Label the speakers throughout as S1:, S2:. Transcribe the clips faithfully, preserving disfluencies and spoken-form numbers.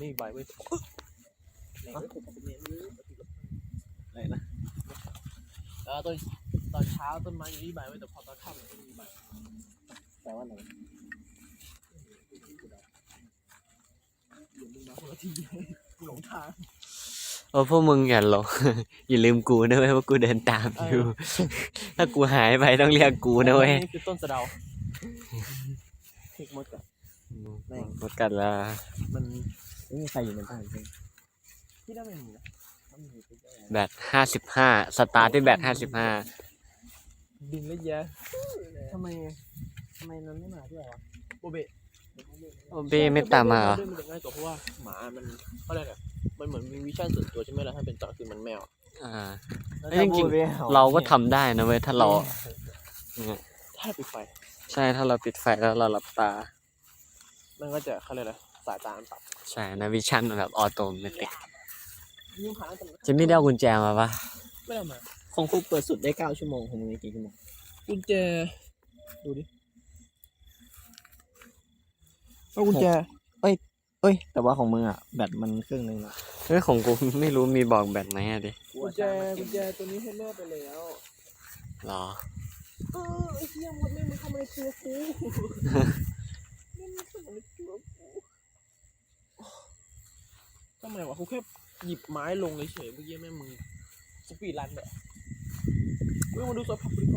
S1: ไม่มีใบเว้ยไหนไม่ถูกกับเมนเลยอะไรนะเออตอนตอนเช้าต้นไม้ยังมีใบเว้ยแต่พอตอนค่ำมันไม่มีใบแปลว่าอะไรเดี๋ยวมึงมาคนละทีหลงทาง
S2: โอ้พวกมึงอย่าหลง อย่าลืมกูนะเว้ยว่ากูเดินตามอยู่ ถ้ากูหายไปต้องเรียกกูนะเว้ย
S1: นี่คือต้นสะเดาเทคมดกัด
S2: หมดกันละ
S1: มันไม่มีใครอยู่ในบ้านใช่ไหมที่ได้ไม่มีนะ
S2: แบตห้าสิบห้าสตาร์ทที่แบตห้าสิบห้า
S1: ดึงแล้วแย่ทำไมทำไมนั้นไม่มาด้วยวะโบเบะ
S2: โอเบไม่ตามมาเหรอ
S1: มันจะง่ายกว่าเพราะว่าหมามันเขาเรียกอะไรมันเหมือนมีวิชั่นส่วนตัวใช่ไหมล่ะถ้าเป็นต่อคือมันแมว
S2: อ่าจริงๆเราก็ทำได้นะเว้ยถ้าเรา
S1: ถ้าปิดไฟ
S2: ใช่ถ้าเราปิดไฟแล้วเราหลับตา
S1: มันก็จะเขาเรียกอะไรสายตามันปรับ
S2: ใช่นะวิชั่นแบบออโตเมติกจะไม่ได้เอากุญแจมาปะ
S1: ไม่ได้มาของกูเปิดสุดได้เก้าชั่วโมงของมึงกี่ชั่วโมงกุญแจดูดิเอากุญแจเอ้ยเอ้ยแต่ว่าของมึงอ่ะแบตมันครึ่งนึงละ
S2: เฮ้ยของกูไม่รู้มีบอกแบตไหมอะดิ
S1: กุญแจกุญแจตัวนี้ให้แม่ไปแล้ว
S2: หรอ
S1: เออไอ้เหี้ยหมดแม่มึงทำอะไรตัวกูแม่มึงทำอะไรตัวกูทำไมวะกูแค่หยิบไม้ลงเฉยเมื่อกี้แม่มึงสปีดรันแบบเว้ยมาดูสภาพดีกว่า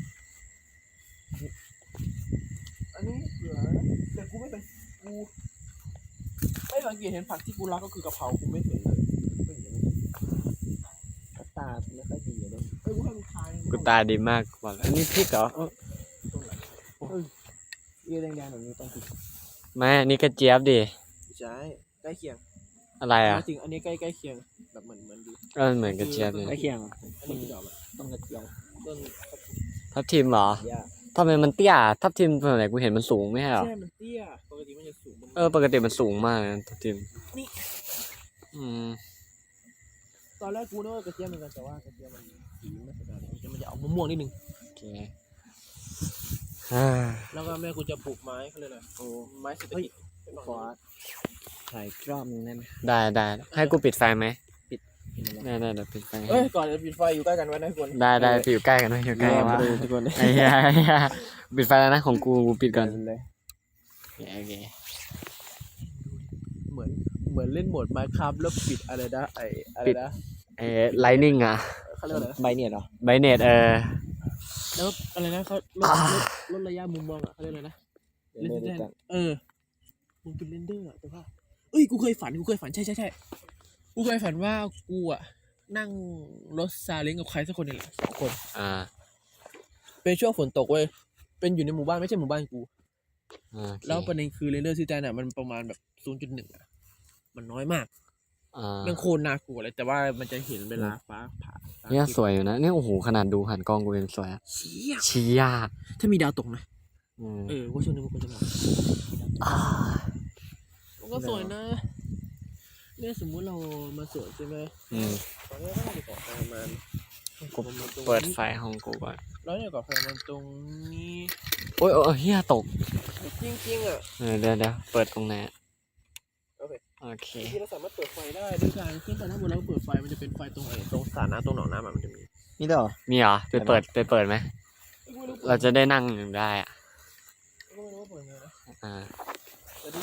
S1: อันนี้เหลือแต่กูไม่เป็นกูไม่สังเกตเห็นผักที่กูรักก็คือกะเพรากูไม่เห็นเลยไม่เห็นตาไม่ค่อยดีเลยเอ้ยกูให้มึงทาย
S2: กูตาดีมากบอกอันนี้พริกเหรอ
S1: ตรงไหนโอ้ยเยี่ยแดงๆแบบนี้ต้องพริก
S2: ไม่อันนี้กระเจี๊ยบดิ
S1: ใช่ใกล้เคียง
S2: อะไรอ่ะ
S1: จริงอันนี้ใกล้ใกล้เคียงแบบเหมือนเหมือนดี
S2: ก็เหมือนกระเจี๊ยบเลย
S1: ใกล้เคียงอันนี้ดอกต้นกระเจียวต้น
S2: ทับทิมเหรอทำไมมันเตี้ยทับทิมตอนไหนกูเห็นมันสูงไม่ใช่หรอ
S1: ใช่มันเตี้ยปกติมันจะสูง
S2: เออปกติมันสูงมากนะทับทิม
S1: นี่
S2: อืม
S1: ตอนแรกกูนึกว่ากระเจี๊ยบเหมือนกันแต่ว่ากระเจี๊ยบมันสีไม่สวยเลยมันจะออกม่วงๆนิดนึง
S2: โอเค
S1: แล้วก็แม่กูจะปลูกไม้เขาเลยนะโอ้ไม้เศรษฐกิจขอถ่ายรอบนึงได้ไหม
S2: ได้ได้ให้กูปิดไฟไหมปิดได้ได้เดี๋ยวปิดไฟ
S1: เอ้ยก่อนจะปิดไฟอยู่ใกล้กันไว้นะทุกคน
S2: ได้ได้อยู่ใกล้กันไว้อยู่ใกล้กันไว้
S1: ทุกคน
S2: ไอ้เหี้ยปิดไฟแล้วนะของกูกูปิดก่อนเลยโอเค
S1: เหมือนเหมือนเล่นโหมด Minecraft แล้วปิดอะไรนะไอ้อะไรนะ
S2: ไอ้ Lightning อ่ะ
S1: เขาเรียกอะไร
S2: ไบเน็ตเหรอไบเน็ตเออ
S1: แล้วอะไรนะเขาลดลดระยะมุมมองอ่ะเขาเรียกอะไรนะเลนส์แดนเออมึงเป็นเรนเดอร์อ่ะแต่ว่าเอ้ยกูเคยฝันกูเคยฝันใช่ใช่ใช่กูเคยฝันว่ากูอ่ะนั่งรถซาเล้งกับใครสักคนนึงสองคน
S2: อ่า
S1: เป็นช่วงฝนตกเว้ยเป็นอยู่ในหมู่บ้านไม่ใช่หมู่บ้านกูแล้วประเด็นคือเรนเดอร์ซีแตนอ่ะมันประมาณแบบ ศูนย์จุดหนึ่ง อ่ะมันน้อยมากมันโคตรน่ากลัวเลยแต่ว่ามันจะเห็นเวลาฟ้าผ่า
S2: เนี่ยสวยอยู่นะเนี่ยโอ้โหขนาดดูหันกล้องกูยังสวย
S1: เชี่ย
S2: เชี่ย
S1: ถ้ามีดาวตกนะเออว่าช่วงนี้มันควรจะมามันก็สวยนะเนี่ยสมมุติเรามาสวนใช่ไหม
S2: อืม
S1: ตอนนี้เราจะก่อไฟมัน
S2: กูเปิดไฟห้องกูก่อน
S1: แล้วเนี่ยก่อไฟมันตรงนี้
S2: โอ้ยโอ้ยเฮียตก
S1: จริงๆอ่ะ
S2: เออเดี๋ยวเดี๋ยวเปิดตรงไหน
S1: โอเค
S2: โอเค
S1: ที่เราสามารถเปิดไฟได้ด้วยการขึ้นไปถ้าเมื่อเราเปิดไฟมันจะเป็นไฟตรงไหนตรงสระน้ำตรงหนองน้ำมันจะมี
S2: มีเหรอมีเหรอไปเปิดไปเปิดไหมเราจะได้นั่งอยู่ได้อ่ะ
S1: ก็ไม่รู้ว่าเปิดไงนะ
S2: อ่า
S1: จะดู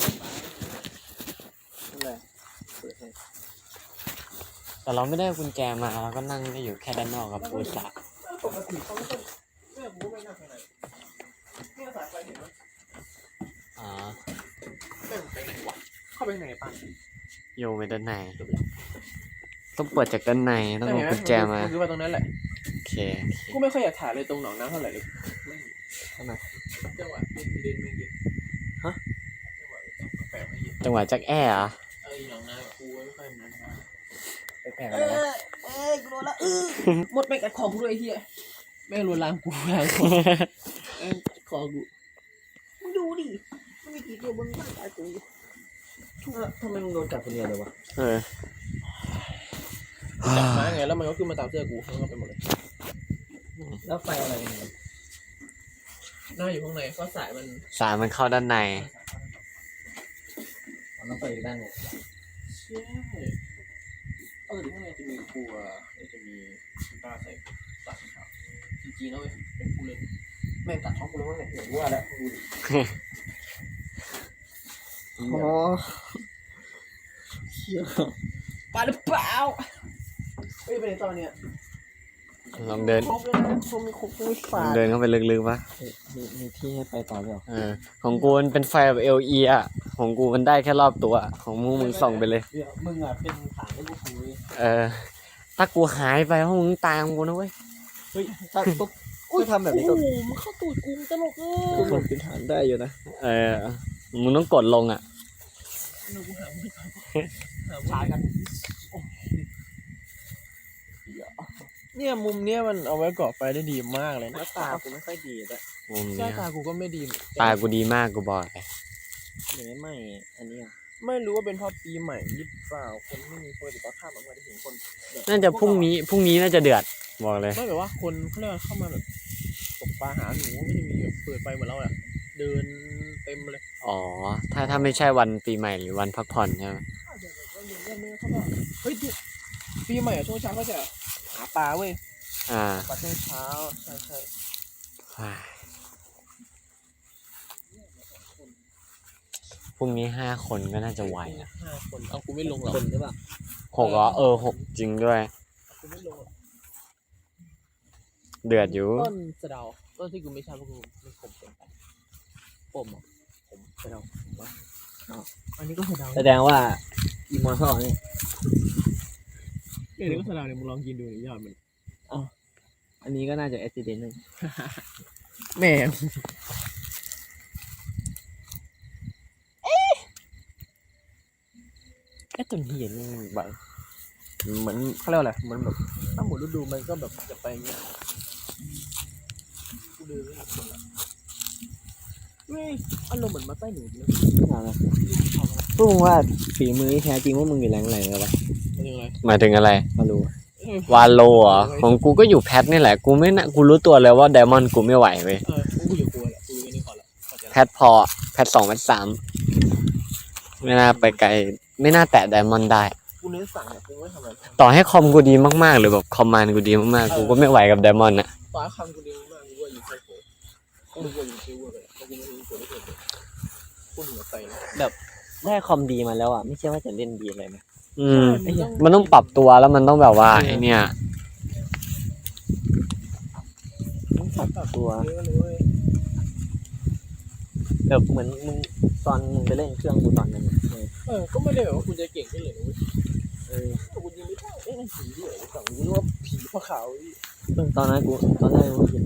S1: อะไรเปิดให้
S2: แต่เราไม่ได้กุญแจมาเราก็นั่งได้อยู่แค่ด้านนอกกับปูสระ
S1: ปกติเขาไม่ต้องแม่กูก็ไม่นั่งข้างในเนี่ยสายไฟเห็นไหม
S2: อ๋อ
S1: แม่งไปไหนวะเข้าไปไหนป่ะ
S2: โยไปด้านในต้องเปิดจากด้านในต้องเอากุญแจมา
S1: คือว่าตรงนั้นแหละ
S2: โอเค
S1: กูไม่ค่อยอยากถ่ายเลยตรงหนองน้ำเท่าไหร่เลยทำไมจังหวะเดินไม่เยอะฮะ
S2: จังหวะจักแอ่เหรอ
S1: เออหนองน้ำกูไม่ค่อยมัน
S2: ไปแผลกันแล้ว
S1: เอ้ยกูโดนละเออหมดไปกัดคอกูด้วยไอ้เหี้ยแม่งลวนลามกูล้างคอเอ้คอกูมึงดูดิมันมีกี่ตัวบนร่างกายกูทำไมมึงโดนกัดคนเดียวเลยวะ
S2: เออ
S1: จับมาไงแล้วมันก็ขึ้นมาตามเสื้อกูมันก็ไปหมดเลยแล้วไฟอะไรเนี่ยน่าอยู่ข้างในเพราะสายมัน
S2: สายมันเข้าด้านใน
S1: มันต้องไปอยู่ด้านในใช่เออเดี๋ยวข้างในจะมีครัวจะมีกีตาร์ใส่ตัดครับจริงๆแล้วเป็นผู้เล่นแม่งตัดช่องกูแล้วเนี่ยอย่างว่าแล้วดูดิ
S3: โอ้เชี่ย
S1: ปลาหรือเปล่าเฮ้ยไปไหนตอนเนี้ย
S2: ลองเดิน
S1: ครบเลยนะครบมีครบมีฝา
S2: ลองเดินเข้าไปลึกๆปะ
S3: มีมีที่ให้ไปต่อไหมหรอ
S2: เออของกูมันเป็นไฟแบบ แอล อี อ่ะของกูมันได้แค่รอบตัวของมึงมึงส่องไปเลย
S1: เดี๋ยวมึงอ่ะเป็นฐานให้กูคุย
S2: เออถ้ากูหายไปพวกมึงตายของกูนะเว้ย
S3: เฮ้ยถ้าปุ๊บก็ทำแบบนี้ก็
S1: โอ้โหมันเข้าตูดกูตลกเล
S3: ก็
S1: ย
S3: เหมือนเป็นฐานได้อยู่นะ
S2: เออมึงต้องกดลงอ่ะ
S1: เดี๋ยวกูหาไม่ทันหาช้ากันเนี่ยมุมเนี้ยมันเอาไว้ก่อไฟได้ดีมากเลย
S3: ห
S1: นะ
S3: น้าตากูไม่ค่อยดีด้วย
S2: มุม
S1: ใช่
S2: เนี้ย
S1: ตากูก็ไม่ดีเหมือนกัน
S2: ตากูดีมากกูบอกเลย
S3: หรือไม่อันนี้อ่ะ
S1: ไม่รู้ว่าเป็นเพราะปีใหม่หรือเปล่าคนไม่มีคนติดต่อข้ามออกมาได้เห็นคนแบบ
S2: น่าจะพรุ่งนี้พรุ่งนี้น่าจะเดือดบอกเลย
S1: ไม่แบบว่าคนเขาเรียกว่าเข้ามาแบบตกปลาหาหนูไม่ได้มีแบบเปิดไฟเหมือนเราอะเดินเต็มเลย
S2: อ๋อถ้าถ้าไม่ใช่วันปีใหม่หรือวันพักผ่อนใช่ไหม
S1: อาจจะแบบว่าเย็นๆเนี่ยเขาก็เฮ้ยดิปีใหม่อะช่วงเช้าก็จะหาปลาเว้ย
S2: อ่า
S1: ปลาช่วงเช้าใช่ใช่
S2: พรุ่งนี้ห้าคนก็น่าจะไหวนะ
S1: ห้าคนเอากูไม่ลงหรอก
S3: คนหรือเปล่า
S2: หกเหรอเออหกจริงด้วย
S1: กูไม่ลงหรอก
S2: เดือดอยู่
S1: ต้นสะเดาต้นที่กูไม่ชอบเพราะกูมันขมเกินไปปมอ่ะผมสะเดาผมว่าอ๋ออันนี้ก็สะเดา
S3: แสดงว่าอีมอร์ทัลนี่
S1: เดี๋ยวนี้ก็สะเดาเนี่ยมึงลองกินดูนี่ยอดมัน
S3: อันนี้ก็น่าจะอุบิเหตุหนึ่ง
S1: แม่งไอ้ต้นเหียนมันแบบเหมือนเขาเรียกว่าอะไรเหมือนแบบถ้าหมดฤดูมันก็แบบจะไปอย่างเงี้ยกูเดินไม่หมดละเว้ยอารมณ์เหมือนมาใต้หนูเลย
S3: พวกมึงว่าฝีมือที่แท้จริงว่ามึงอยู่แรงไหนกันวะ
S1: เป็นยังไง
S2: หมายถึงอะไร
S3: มารู้
S2: วาโลเหรอของกูก็อยู่แพทนี่แหละกูไม่น่ากูรู้ตัวเลยว่าไดมอนด์กูไม่ไหวเว้ย
S1: เออกูอยู่กูแหละกูอยู่นี่ก่อนละเข้าใจ
S2: แพ
S1: ละ
S2: ทพอแพทสองแพทสามไม่น่าไปไกลไม่น่าแตะไดมอนด์ได้
S1: กูเน้นสั่งเนี่ยกูไม่ทำอะไร
S2: ต่อให้คอมกูดีมากๆหรือแบบคอมมานด์กูดีมากๆกูก็ไม่ไหวกับไดมอนด์อะ
S1: ฟ้าคำกูเดียวมากกูว่าอยู่ไซโคกูรู้ว่าอยู่ซิลเวอร์เลยเพราะกูไม่รู้ตัวไม่เคยเลยกูเหนือใจนะ
S3: ได้คอมดีมาแล้วอ่ะไม่ใช่ว่าจะเล่นดีเลยนะ
S2: อืมมันต้องปรับตัวแล้วมันต้องแบบว่าไอเนี่ย
S3: ต้องปรับตัว
S1: เยอะเลยเว้ย
S3: แบบเหมือนมึงตอนมึงไปเล่นเครื่องกูตอนนั้นอะเออ
S1: เออก็ไม่ได้แบบว่ากูจะเก่งขึ้นเลยนะเว้ย
S3: เออ
S1: แต่กูยิงไม่ได้เอ๊ะนั่นผีด้วยเหรอสั่งกูนึกว่าผีพระขาวอี
S3: ตอนนั้นกูตอนแรกกูเห็น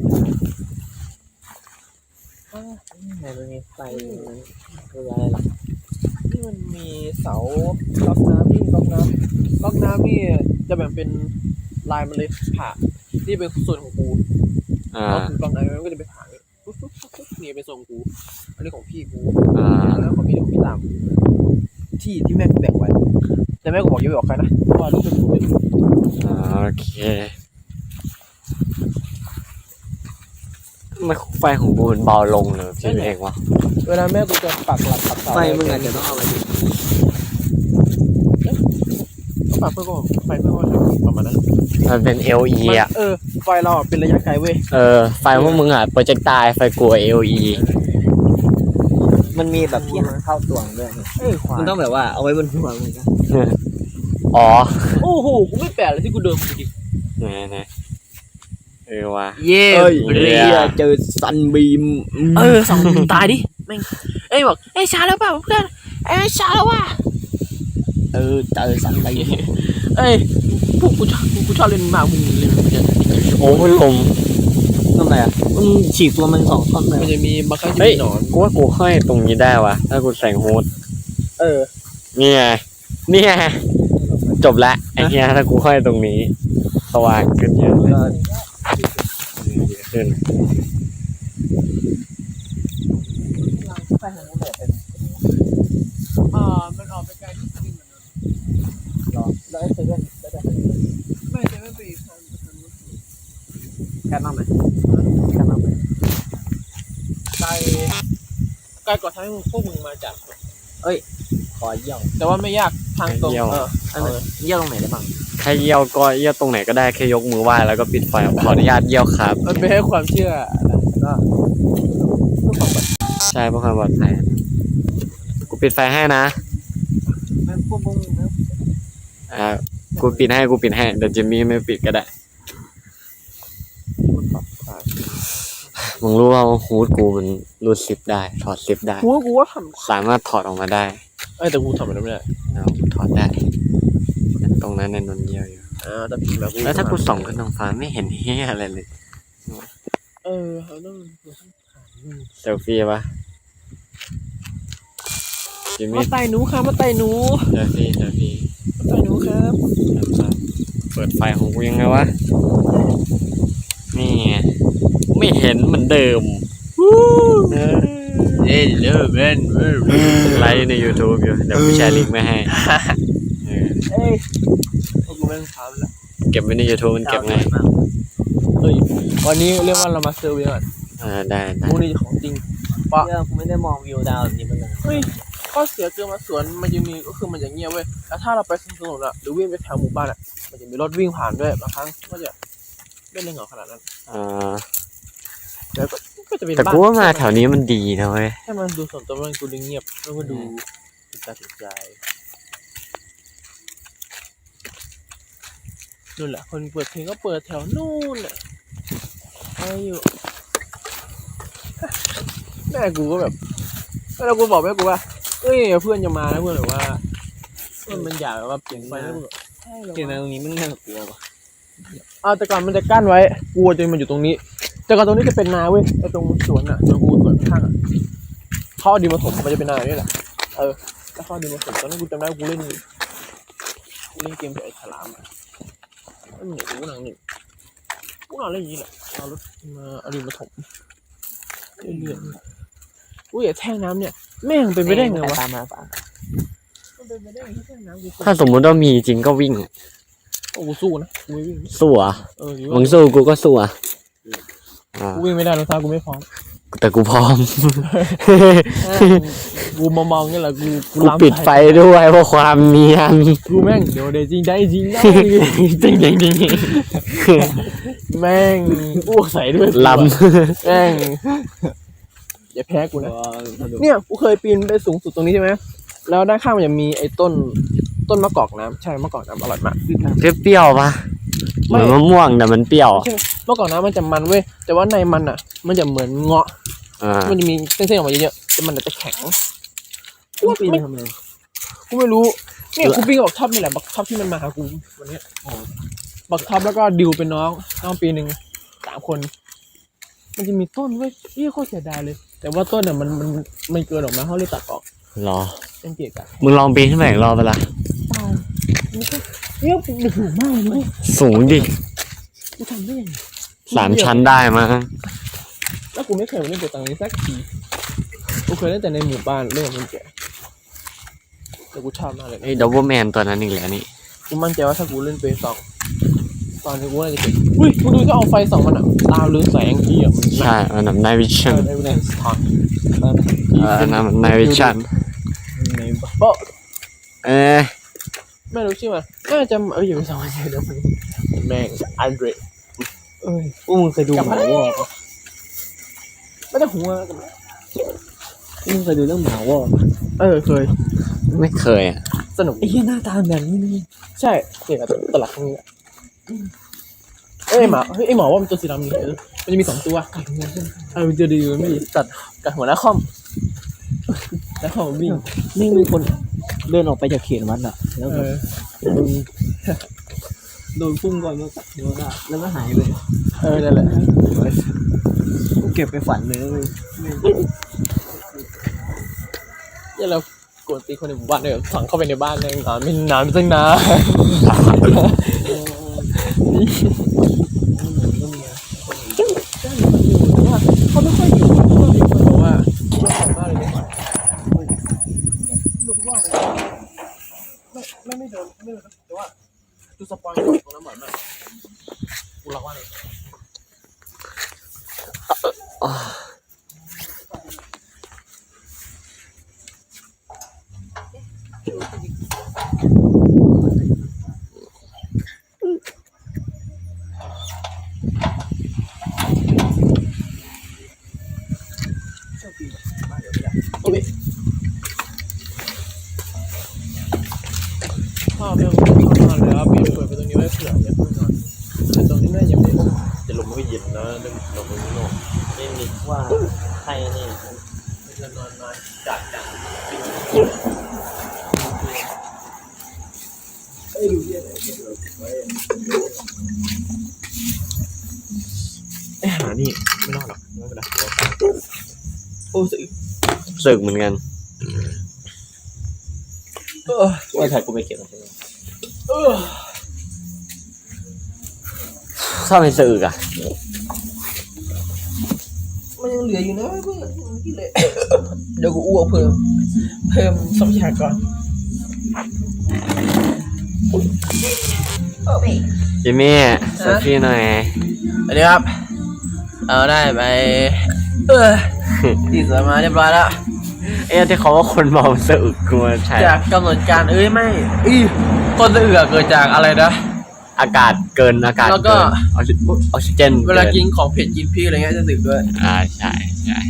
S3: ไหนมันมีไฟมันคืออะไรล่ะ
S1: นี่มันมีเสาก๊อกน้ำนี่ก๊อกน้ำก๊อกน้ำนี่จะแบ่งเป็นลายมันเลยผ่านี่เป็นส่วนของกู
S2: อ่า
S1: ก็คือก๊อกน้ำมันก็จะไปผ่าเนี่ยปุ๊บปุ๊บปุ๊บปุ๊บนี่เป็นทรงกูอันนี้ของพี่กู
S2: อ่า
S1: แล้วของพี่ของพี่ตามที่ที่แม่กูแบ่งไว้แต่แม่กูบอกอย่าไปบอกใครนะเพราะว่าลูกเป็นกูเป็น
S2: อ่าโอเคทำไมไฟของกูมันเบาลงเลยคิดเองวะ
S1: เวลาแม่กูจะปักหลักปักเสา
S3: ไฟมึงอาจจะต้องเอาไปดิ
S1: ก็ปักเพื่อก็ไฟเพื่อก็ทำประมาณนั้น
S2: มันเป็น แอล อี อ่ะ
S1: เออไฟเราอะเป็นระยะไกลเว้ย
S2: เออไฟพวกมึงอ่ะโปรเจกต์ตายไฟกู แอล อี
S3: มันมีแบบที่หางเข้าตัวด้วยนี่
S1: เออควาย
S3: มันต้องแบบว่าเอาไว้บนหัวมึงนะ
S2: อ๋อ
S1: โอ้โหกูไม่แปลกเลยที่กูเดินมาดิ
S2: ไหนไหนเออว่ะ
S1: เย่
S3: เอ้ย
S2: เรี
S3: เรี
S2: ย
S3: ยเจอซันบีม
S1: เออสองตายดิแม่งเอ้ยบอกเอ้ยช้าแล้วเปล่าเพื่อนเอ้ยช้าแล้วว่ะ
S3: เออเจอซันบีม
S1: เอ้ยพวกกูชอบกูชอบเล่นมากมึงเล่นมันจะ
S2: โอ้พัดลม
S3: ทำไมอ่ะมึงฉีกตัวมันสองท่อนเลย
S1: มันจะมีบางครั้งจะ
S2: เฮ้ย
S1: มีหนอน
S2: กูว่ากูห้อยตรงนี้ได้วะถ้ากูใส่ฮูด
S1: เออ
S2: เนี่ยเนี่ยจบละไอ้เหี้ยถ้ากูห้อยตรงนี้สว่างขึ้นเยอะเลย
S3: ก็
S2: เยอะขึ้น
S3: ไฟของมึงแบบเป็น
S1: อ่ามันออกไปไกลที่สุดเหมือนกัน
S3: หรอแล้วไอ้เซเว่นแล้วแต่
S1: ไม่ใช่ไม่ไปทางทางนู้น
S3: แค่นั้นไหมแค่นั้นไหม
S1: ไกลไกลกว่าทางที่พวกมึงมาจาก
S3: ขขอเยี่ยว
S1: แต่ว่าไม่ยากทางตรง
S2: เยี่ยว
S1: เออ
S3: อันนั้นเยี่ยวตรงไหนได้บ้าง
S2: แค่เยี่ยวก็เยี่ยวตรงไหนก็ได้แค่ยกมือไหว้แล้วก็ปิดไฟขออนุญาตเยี่ยวครับ
S1: มันเป็นแค่ความเชื่อนะก็เพื่อความปลอดภัย
S2: ใช่เพื่อความปลอดภัยกูปิดไฟให้นะ
S3: ไม่พวกพวกมึงนะ
S2: อ่ากูปิดให้กูปิดให้เดี๋ยวจิมมี่ไม่ปิดก็ได้
S1: มันปลอดภัย
S2: มึงรู้ว่าฮูดกูมันรูดซิปได้ถอดซิปได้
S1: กูว่ากูว่าท
S2: สามารถถอดออกมาได้
S1: ำเอ้ยแต่กูทำมันไม่ได้
S2: เอากูถอดได้ ตรงนั้นในนนเยี่ยวอยู่
S1: อ่าแต่ผีแบบ
S2: แล้วถ้ากูส่องขึ้นท้องฟ้าไม่เห็นเฮียอะไรเลย
S1: เออเราต้องเราต้องถามมึง
S2: เซลฟี่ปะจิม
S1: มา
S2: มี่
S1: ไต่หนูค่ะมาไต่หนู
S2: เซลฟี่เซลฟี่
S1: มาไต่หนูครับ
S2: เปิดไฟของกูยังไงวะ นี่ไงไม่เห็นเหมือนเดิมเออ
S1: เอ้ยเลิกเล่นเว้ย
S2: ไลฟ์ใน YouTube อยู่เดี๋ยวกูแชร์ลิงก์มาให้เออ
S1: เอ้ยพวกกูไม่ต้องถามแล้ว
S2: เก็บไว้ใน YouTube มันเก็บไง
S1: เฮ้ยวันนี้เรียกว่าเรามาเซอร์เวยก่อน
S2: อ่าได้ได้
S1: มูนี่ของจริง
S3: เยี่ยวกูไม่ได้มองวิวดาวแบบนี้มาเลย
S1: เฮ้ยข้อเสียคือมาสวนมันจะมีก็คือมันจะเงียบเว้ยแล้วถ้าเราไปสวนสนุกอะหรือวิ่งไปแถวหมู่บ้านอะมันจะมีรถวิ่งผ่านด้วยบางครั้งก็จะไม่ได้เหงาขนาดนั้น
S2: อ่า
S1: แล้วก็ก็จะเป็น
S2: แต่
S1: บ้าน
S2: กูว่ามาแถวนี้มันดีนะเว้ย
S1: ให้มันดูส่วนตัวมันดูเงียบแล้วก็ดูติดตาติดใจนู่นแหละคนเปิดเพลงก็เปิดแถวนู่นแหละอะไรอยู่แม่กูก็แบบแล้วกูบอกแม่กูว่าเอ้ยเพื่อนจะมาแล้วเพื่อนแบบว่าเพื่อนมันอยากแบบว่าเปลี่ยนไฟแล้วกูแบบใช่เหรอ
S3: เกิดมาต
S1: วะ
S3: รงนี้มันน่ากลัวป่ะ
S1: อ้าวแต่ก่อนมันจะกั้นไว้กูจะมันอยู่ตรงนี้ แต่ก่อนตรงนี้จะเป็นนาเว้ยไอ้ตรงสวนอ่ะตรงกูสวนข้างๆอ่ะเขาเอาดินมาถมมันจะเป็นนาเนี่ยแหละเออแล้วเขาเอาดินมาถมตอนนั้นกูจำได้ว่ากูเล่นกูเล่นเกมกับไอ้ฉลามอ่ะแล้วมันเหนื่อยกูนั่งหนึ่งกูนอนเล่นอย่างนี้แหละเอารถมาเอาดินมาถมเรื่อยๆอุ้ยไอ้แท่งน้ำเนี่ยแม่งเป็นไปได้ไงวะ
S3: ตามมาป่ะ
S1: มันเป็นไปได้ไงที่แท่งน้ำกู
S2: ถ้าสมมุติว่ามีจริงก็วิ่ง
S1: โอ้กูสู้นะกูไม่วิ่ง
S2: สู้อ่ะ
S1: เออ
S2: มึงสู้กูก็สู้อ่ะอ่า
S1: กูวิ่งไม่ได้รองเท้ากูไม่พร้อม
S2: แต่กูพร้อม
S1: กูมามองนี่แหละกู
S2: กู
S1: ล้ำ
S2: ปิดไฟด้วยเพราะความเนียน
S1: กูแม่งเดี๋ยวเดี๋ยวจริงได้จริงได้
S2: จริงจริงจริง
S1: แม่งอ้วกใส่ด้วย
S2: ล
S1: แม่งอย่าแพ้กูนะเนี่ยกูเคยปีนไปสูงสุดตรงนี้ใช่ไหมแล้วด้านข้างมันจะมีไอ้ต้นต้นมะกอกน้ำใช่มะกอกน้ำอร่อยมาก
S2: ำเปรี้ยวๆปะเหมือนมะม่วงแต่มันเปรี้ยว
S1: ไม่ใช่มะกอกน้ำมันจะมันเว้ยแต่ว่าในมันอ่ะ มันจะเหมือนเงาะ
S2: อ่า
S1: มันจะมีเส้นๆออกมาเยอะๆแต่มันจะแข็ง
S3: กูปีนทำไม
S1: กูไม่รู้เนี่ยกูปิ้งกับบักท็อปนี่แหละบักท็อปที่มันมาหากูวันเนี้ยบักท็อปแล้วก็ดิวเป็นน้องน้องปีหนึ่งสามคน มันจะมีต้นเว้ยเฮ้ยโคตรเสียดายเลย แต่ว่าต้นเนี่ยมันมันมันเกินออกมาเขาเลยตัดออก
S2: รอ
S1: เป็นเกียกอะ
S2: มึงลองปีนขึ้นไปอีกรอบไปละ
S1: ตายมันก็เนี่ยมันสูงมากเลยเว้ย
S2: สูงดิ
S1: กูทำได้ยังไง
S2: สามชั้นได้มั้ง
S1: แล้วกูไม่เคยมาเล่นตัวตังนี้สักทีกูเคยเล่นแต่ในหมู่บ้านเล่นกับคนแก่แต่กูชอบมากเลย
S2: ไอ้ดับเบิลแมนตัวนั้นอีกแล้วนี่
S1: กูมั่นใจว่าถ้ากูเล่นเปสองตอนนี้กูน่าจะเก่งอุ้ยมึงดูจะเอาไฟส่องมันอ่ะตาเรืองแสงที่อ่ะมัน
S2: ใช่อันนั้นไนวิชั่น
S1: ในในสถาน
S2: อันนั้นไนวิชั่น
S3: ในบ้าน
S1: เพราะ
S2: เอ๊ะ
S1: ไม่รู้ชื่อมันน่าจะเอออย่าไปส่องมันเดี๋ยวมันแม่งอันเดร
S3: เอ้ยพวกมึงเคยดูหมาวอกปะ
S1: ไม่ได้หัวกัน
S3: พวกมึงเคยดูเรื่องหมาวอก
S1: เออเคย
S2: ไม่เคยอ่ะ
S1: สนุก
S3: ไอ้เหี้ยหน้าตาแบบนี้นี่
S1: ใช่เกี่ยวกับตลาดตรงนี้อะเอ้ยหมาเฮ้ยไอหมอว่ามันตัวสีดำนี่เออมันจะมีสองตัวเออมันจะดีมันไม่ดีตัดกับหัวหน้าคอมแล้วคอมวิ่ง
S3: นี่มีคนเดินออกไปจากเขตวัดอะแล้ว
S1: เอ
S3: แบบ
S1: อ
S3: โดนโดนพุ่งก่อนมาตัดหัวได้แล้วก็หายไป
S1: เออนั่นแหละ
S3: กูเก็บไปฝันเลยเว้ย
S1: เนี่ยเรากวนตีคนในหมู่บ้านเนี่ยฝังเข้าไปในบ้านเนี่ยนานไม่นานไม่ตั้งนานเขาไม่ค่อยอยู่เพราะว่ามีคนบอกว่าบ้านเลยเนี่ยรู้ว่าไม่ไม่ไม่เดินไม่เดินแต่ว่าดูสปอยล์ตรงนั้นบ่อยมากกูรักว่าเลย
S2: อ
S1: ข้าวเรื่องเข้านอนแล้วปิดเปิดไปตรงนี้ไว้เผื่ออย่าเพิ่งนอนแต่ตรงนี้น่าจะไม่จะลมไม่เย็นนะเรื่องลมไม่โน่นี่นี่ว่าใครนี่จะนอนนอนจัดจัดเอ้ยดูเยอะเลยไอ้หานี่ไม่รอดหรอกไม่เป็นไรโอ้สึก
S2: สึกเหมือนกัน
S1: เออ
S3: ว่าถ่ายกูไปเก็บมัน
S1: เออ
S2: ชอบให้สึกอ่ะ
S1: มันยังเหลืออยู่นะเพื่อนกินเลยเดี๋ยวกูอ้วกเพิ่มเพิ่มทรัพยากร
S2: จิมมี่เซลฟี่หน่อย
S1: สวัสดีครับเอาได้ไปเออติดสมาเรียบร้อยแล้ว
S2: เอ๊ะที่เขาว่าคนเมาสึกกลัวใช่
S1: จากกำหนดการเอ้ยไม่อีคนสะอือเกิดจากอะไรนะ
S2: อากาศเกินอากาศ
S1: แล้วก็
S2: เกินออกซิออกซิเจน
S1: เวลากินของเผ็ดกินพริกอะไรเงี้ยจะสึกด้วย
S2: อ่าใช่ใช่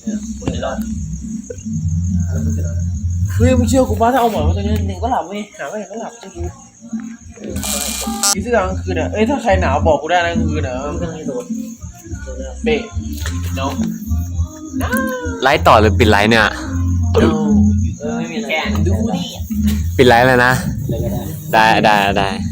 S1: เฮ้ยมึงเชื่อกูป่ะถ้าเอาหมอนมาตรงนี้หนึ่งก็หลับเว้ยหาไม่เห็นก็หลับเชื่อกูกินเสื้อกลางคืนอ่ะเอ้ยถ้าใครหนาวบอกกูได้นะกลางคืนอ่ะเบ๊ะ no
S2: ไลฟ์ต่อหรือปิดไลฟ์เนี่ย
S1: no
S3: เออไม่มีอะไร
S1: แกนดูดิ
S2: ปิดไลฟ์เลยนะ
S3: อะไรก็ได้
S2: ได้ได้ได้